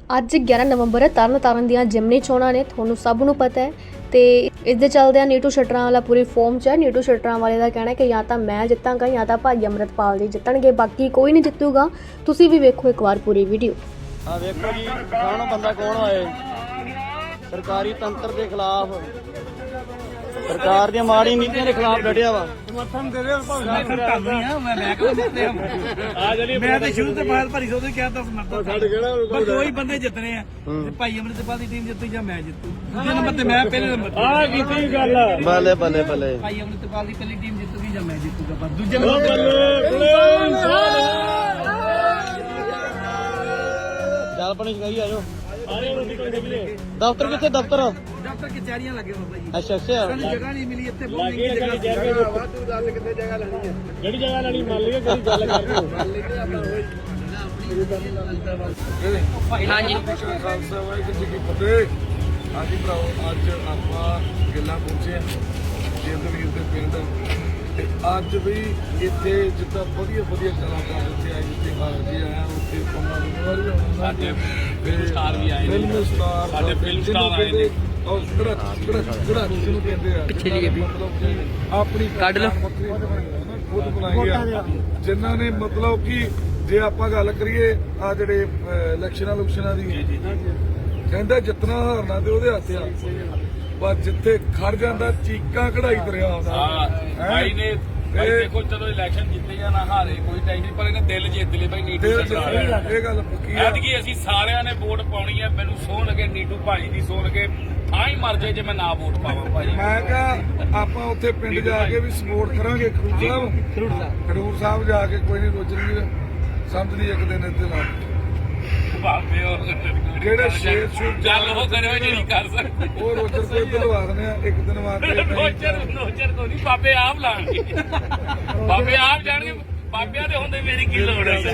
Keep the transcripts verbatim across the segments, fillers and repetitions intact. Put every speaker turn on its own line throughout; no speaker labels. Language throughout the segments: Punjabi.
ਅੱਜ ਗਿਆਰਾਂ ਨਵੰਬਰ ਹੈ। ਤਰਨ ਤਾਰਨ ਦੀਆਂ ਜਿਮਨੀ ਚੋਣਾਂ ਨੇ, ਤੁਹਾਨੂੰ ਸਭ ਨੂੰ ਪਤਾ ਹੈ। ਤੇ ਇਸ ਦੇ ਚੱਲਦਿਆਂ ਨੀਟੂ ਸ਼ਟਰਾਂ ਵਾਲਾ ਪੂਰੀ ਫੋਰਮ 'ਚ ਹੈ। ਨੀਟੂ ਸ਼ਟਰਾਂ ਵਾਲੇ ਦਾ ਕਹਿਣਾ ਕਿ ਜਾਂ ਤਾਂ ਮੈਂ ਜਿੱਤਾਂਗਾ ਜਾਂ ਤਾਂ ਭਾਈ ਅੰਮ੍ਰਿਤਪਾਲ ਜੀ ਜਿੱਤਣਗੇ, ਬਾਕੀ ਕੋਈ ਨਹੀਂ ਜਿੱਤੂਗਾ। ਤੁਸੀਂ ਵੀ ਵੇਖੋ ਇੱਕ ਵਾਰ ਪੂਰੀ ਵੀਡੀਓ।
ਆ ਵੇਖੋ ਜੀ, ਕਿਸਾਨ ਬੰਦਾ ਕੌਣ ਆਏ ਸਰਕਾਰੀ ਤੰਤਰ ਦੇ ਖਿਲਾਫ, ਸਰਕਾਰ ਦੀਆਂ ਮਾੜੀ ਨੀਤੀਆਂ ਦੇ ਖਿਲਾਫ ਲੜਿਆ ਵਾ।
ਸਮਰਥਨ ਦੇ ਰਹੇ ਭਾਵੇਂ ਮੈਂ ਲੈ ਕੇ ਦਿੱਤੇ ਆ ਜਲੀ ਮੈਂ ਤੇ ਸ਼ੁਰੂ ਤੋਂ ਬਾਅਦ ਭਰੀ ਸੋਦੇ ਕਿਹਾ ਤਾਂ ਸਮਰਥਨ ਸਾਡੇ ਕਿਹੜਾ ਪਰ ਦੋ ਹੀ ਬੰਦੇ ਜਿੱਤਨੇ ਆ ਤੇ ਭਾਈ ਅੰਮ੍ਰਿਤਪਾਲ ਦੀ ਟੀਮ ਜਿੱਤੂ ਜਾਂ ਮੈਂ ਜਿੱਤੂ। ਦੂਜੇ ਨੰਬਰ ਤੇ ਮੈਂ ਪਹਿਲੇ ਨੰਬਰ ਆ ਕੀਤੀ ਗੱਲ
ਬੱਲੇ ਬੱਲੇ ਬੱਲੇ
ਭਾਈ ਅੰਮ੍ਰਿਤਪਾਲ ਦੀ ਪਹਿਲੀ ਟੀਮ ਜਿੱਤੂਗੀ ਜਾਂ ਮੈਂ ਜਿੱਤੂਗਾ। ਪਰ ਦੂਜੇ ਨੰਬਰ
ਚੱਲ ਪਾਣੀ ਛਕਾਈ ਆਜੋ। ਦਫ਼ਤਰ ਕਿੱਥੇ? ਦਫ਼ਤਰ
ਦਫ਼ਤਰ ਕਚਹਿਰੀਆਂ ਲੱਗੇ ਬਾਬਾ ਜੀ।
ਅੱਛਾ ਅੱਛਾ
ਸਾਨੂੰ ਜਗ੍ਹਾ ਨਹੀਂ ਮਿਲੀ ਇੱਥੇ, ਬਹੁਤ ਮਹਿੰਗੀ ਜਗ੍ਹਾ। ਵਾਧੂ ਦੱਸ ਕਿੱਥੇ ਜਗ੍ਹਾ ਲੈਣੀ ਹੈ, ਜਿਹੜੀ ਜਗ੍ਹਾ ਲੈਣੀ ਮੰਨ ਲਈਏ, ਕਿਹੜੀ ਗੱਲ ਕਰਦੇ ਹੋ ਹਾਂਜੀ
ਖਾਲਸਾ ਵਾਹਿਗੁਰੂ ਜੀ ਕੀ ਫਤਿਹ। ਹਾਂਜੀ ਭਰਾਓ, ਅੱਜ ਆਪਾਂ ਗਿੱਲਾਂ ਪਹੁੰਚੇ ਜਿੰਦ ਵੀਰ ਦੇ ਪਿੰਡ ਤੇ ਅੱਜ ਵੀ ਇੱਥੇ ਜਿੱਦਾਂ ਵਧੀਆ ਵਧੀਆ ਕਲਾਕਾਰ ਇੱਥੇ ਆਏ, ਜਿੱਥੇ ਹਾਜੀ ਆਇਆ ਉੱਥੇ ਪੰਮਾ ਦੁਆਰੀ ਸਾਡੇ ਫਿਲਮ ਸਟਾਰ ਵੀ ਆਏ, ਫਿਲਮ ਸਟਾਰ ਸਾਡੇ ਫਿਲਮ ਸਟਾਰ ਆਏ ਨੇ। ਔਰ ਕਿਹੜਾ ਕਿਹੜਾ ਕਿਹੜਾ ਜਿਹਨੂੰ ਕਹਿੰਦੇ ਆ ਪਿੱਛੇ ਜੀ ਮਤਲਬ ਕਿ ਆਪਣੀ ਕੱਢ ਲਓ ਖੁਦ ਬਣਾਈ ਆ, ਜਿਨ੍ਹਾਂ ਨੇ ਮਤਲਬ ਕਿ ਜੇ ਆਪਾਂ ਗੱਲ ਕਰੀਏ ਆ ਜਿਹੜੇ ਇਲੈਕਸ਼ਨਾਂ ਲੁਕਸ਼ਨਾਂ ਦੀ ਕਹਿੰਦਾ ਜਿੱਤਣਾ ਹਾਰਨਾ ਤੇ ਉਹਦੇ ਹੱਥ ਆ, ਪਰ ਜਿੱਥੇ ਖੜ ਜਾਂਦਾ ਚੀਕਾਂ ਕਢਾਈ ਦਰਿਆ ਆਉਂਦਾ
ਭਾਈ ਨੇ ਭਾਈ ਦੇਖੋ ਚਲੋ ਇਲੈਕਸ਼ਨ ਜਿੱਤੇ ਜਾਂ ਨਾ ਹਾਰੇ ਕੋਈ ਟੈਨਸ਼ਨ, ਪਰ ਇਹਨੇ ਦਿਲ ਜਿੱਤ ਲਏ ਭਾਈ ਨੀਟੂ ਸਰਕਾਰ।
ਇਹ ਗੱਲ ਪੱਕੀ ਆ
ਐਤਕੀ ਅਸੀਂ ਸਾਰਿਆਂ ਨੇ ਵੋਟ ਪਾਉਣੀ ਹੈ। ਮੈਨੂੰ ਸੋਹ ਲਗੇ ਨੀਟੂ ਭਾਈ ਦੀ ਸੋਹ ਲਗੇ ਥਾਂ ਹੀ ਮਰ ਜਾਏ ਜੇ ਮੈਂ ਨਾ ਵੋਟ ਪਾਵਾਂ ਭਾਈ।
ਮੈਂ ਕਿਹਾ ਆਪਾਂ ਉੱਥੇ ਪਿੰਡ ਜਾ ਕੇ ਵੀ ਸਪੋਰਟ ਕਰਾਂਗੇ ਖਡੂਰ ਸਾਹਿਬ ਖਡੂਰ ਸਾਹਿਬ ਜਾ ਕੇ ਕੋਈ ਨਹੀਂ ਰੋਜਣਗੇ ਸਮਝਦੀ ਇੱਕ ਦਿਨ ਇੱਥੇ ਲਾ ਜਿਹੜੇ ਸ਼ੇਰ ਸ਼ੂਰ
ਚੱਲ ਉਹ ਕਰਿਓ ਜਿਹੜੀ ਕਰ ਸਕਦੇ
ਉਹ ਰੋਜਰ ਕੋਈ ਦਿਲਵਾ ਦਿੰਦੇ ਆ ਇੱਕ ਦਿਨ ਵਾਸਤੇ।
ਨੋਚਰ ਨੋਚਰ ਤੋਂ ਨਹੀਂ, ਬਾਬੇ ਆਪ ਲਾਣਗੇ, ਬਾਬੇ ਆਪ ਜਾਣਗੇ। ਬਾਬਿਆਂ ਦੇ ਹੁੰਦੇ ਮੇਰੀ ਕੀ ਲੋੜ ਹੈ?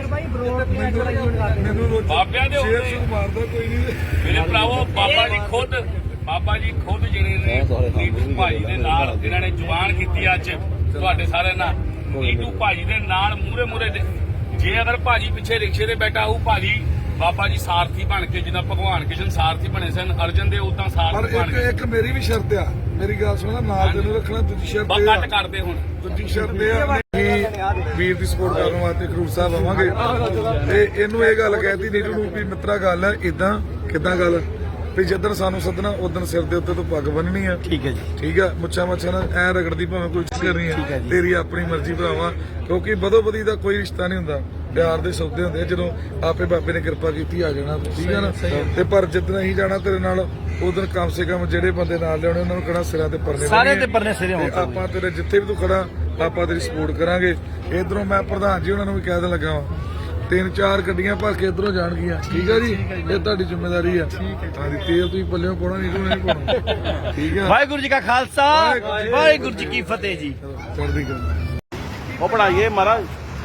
ਮੈਨੂੰ ਰੋਜਰ
ਬਾਬਿਆਂ ਦੇ
ਸ਼ੇਰ
ਹੁੰਦੇ
ਸ਼ੂਰ ਮਾਰਦਾ ਕੋਈ ਨਹੀਂ।
ਮੇਰੇ ਭਰਾਵੋ, ਬਾਬਾ ਜੀ ਖੁਦ ਬਾਬਾ ਜੀ ਖੁਦ ਜਿਹੜੇ ਨੇ ਨੀਟੂ ਭਾਈ ਦੇ ਨਾਲ ਜਿਨ੍ਹਾਂ ਨੇ ਜ਼ੁਬਾਨ ਕੀਤੀ ਅੱਜ ਤੁਹਾਡੇ ਸਾਰਿਆਂ ਨਾਲ, ਨੀਟੂ ਭਾਈ ਦੇ ਨਾਲ ਮੂਹਰੇ ਮੂਹਰੇ ਜੇ ਅਗਰ ਭਾਜੀ ਪਿੱਛੇ ਰਿਕਸ਼ੇ ਤੇ ਬੈਠਾ ਹੋਊ, ਭਾਜੀ ਬਾਬਾ ਜੀ ਸਾਰਥੀ ਬਣ ਕੇ, ਜਿੱਦਾਂ ਭਗਵਾਨ ਕ੍ਰਿਸ਼ਨ ਸਾਰਥੀ ਬਣੇ ਸਨ ਅਰਜਨ ਦੇ, ਉਦਾਂ
ਪਰ
ਸਾਰਥੀ ਬਣ
ਇੱਕ
ਗਏ।
ਇੱਕ ਮੇਰੀ ਵੀ ਸ਼ਰਤ ਆ, ਮੇਰੀ ਗੱਲ ਸੁਣੋ, ਨਾਲ ਤੈਨੂੰ ਰੱਖਣਾ। ਦੂਜੀ ਸ਼ਰਤ
ਬਸ
ਇਹ
ਕੱਟ
ਆ
ਕਰਦੇ ਹੁਣ
ਦੂਜੀ ਸ਼ਰਤ ਇਹ ਆ ਕਿ ਵੀਰ ਦੀ ਸਪੋਰਟ ਕਰਨ ਵਾਸਤੇ ਖਡੂਰ ਸਾਹਿਬ ਆਵਾਂਗੇ ਤੇ ਇਹਨੂੰ ਇਹ ਗੱਲ ਕਹਿਤੀ ਨੀਟੂ ਨੂੰ ਵੀ ਮਿੱਤਰਾ ਗੱਲ ਹੈ ਇਦਾਂ ਕਿਦਾਂ ਗੱਲ ਵੀ ਜਿੱਦਣ ਸਾਨੂੰ ਸੱਦਣਾ ਉਦੋਂ ਸਿਰ ਦੇ ਉੱਤੇ ਤੋਂ ਪੱਗ ਬੰਨਣੀ ਆ।
ਠੀਕ ਹੈ ਜੀ,
ਠੀਕ ਆ, ਮੁੱਛਾਂ ਮੱਛਾਂ ਨਾਲ ਐ ਰਗੜਦੀ ਭਾਵੇਂ ਕੋਈ ਚੀਜ਼ ਕਰਨੀ ਆ, ਤੇਰੀ ਆਪਣੀ ਮਰਜ਼ੀ ਭਰਾਵਾ, ਕਿਉਂਕਿ ਬਦੋ ਬਦੀ ਦਾ ਕੋਈ ਰਿਸ਼ਤਾ ਨਹੀਂ ਹੁੰਦਾ, ਪਿਆਰ ਦੇ ਸੌਦੇ ਹੁੰਦੇ। ਜਦੋਂ ਆਪੇ ਬਾਬੇ ਨੇ ਕਿਰਪਾ ਕੀਤੀ ਆ ਜਾਣਾ, ਠੀਕ ਆ ਨਾ। ਤੇ ਪਰ ਜਿੱਦਣ ਅਸੀਂ ਜਾਣਾ ਤੇਰੇ ਨਾਲ ਉਦੋਂ ਕਮ ਸੇ ਕਮ ਜਿਹੜੇ ਬੰਦੇ ਨਾਲ ਲਿਆਉਣੇ ਉਹਨਾਂ ਨੂੰ ਕਿਹੜਾ ਸਿਰਾਂ ਤੇ ਪਰਨੇ
ਸਾਰੇ ਤੇ ਪਰਨੇ ਸਿਰੇ ਹੋਣ।
ਆਪਾਂ ਤੇਰੇ ਜਿੱਥੇ ਵੀ ਤੂੰ ਖੜਾ ਆਪਾਂ ਤੇਰੀ ਸਪੋਰਟ ਕਰਾਂਗੇ। ਇਧਰੋਂ ਮੈਂ ਪ੍ਰਧਾਨ ਜੀ ਉਹਨਾਂ ਨੂੰ ਵੀ ਕਹਿ ਦੇਣ ਲੱਗਾ ਵਾਂ, ਤਿੰਨ ਚਾਰ ਗੱਡੀਆਂ ਭਰ ਕੇ ਇਧਰੋਂ ਜਾਣਗੀਆਂ, ਠੀਕ ਆ ਜੀ, ਇਹ ਤੁਹਾਡੀ ਜ਼ਿੰਮੇਵਾਰੀ ਆ। ਹਾਂਜੀ, ਤੇਲ ਤੁਸੀਂ ਪੱਲਿਓਂ ਪਾਉਣਾ, ਨਹੀਂ ਨਹੀਂ ਪਾਉਣਾ, ਠੀਕ ਆ।
ਵਾਹਿਗੁਰੂ ਜੀ ਕਾ ਖਾਲਸਾ ਵਾਹਿਗੁਰੂ ਜੀ ਕੀ ਫਤਿਹ ਜੀ।
ਚੜ੍ਹਦੀ ਕਲਾ।
ਉਹ ਪੜਾਈਏ ਮਹਾਰਾਜ।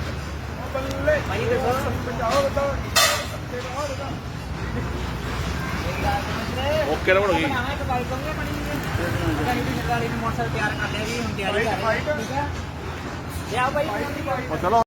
ਓਕੇ ਰਵੜ ਗਈ
ਮੋਟਰਸਾਈਕਲ ਤਿਆਰ ਕਰ ਲਿਆ ਜੀ, ਹੁਣ ਤਿਆਰੀ ਕਰ ਰਹੇ ਠੀਕ ਹੈ। ਲਿਆ ਭਾਈ
ਚਲੋ।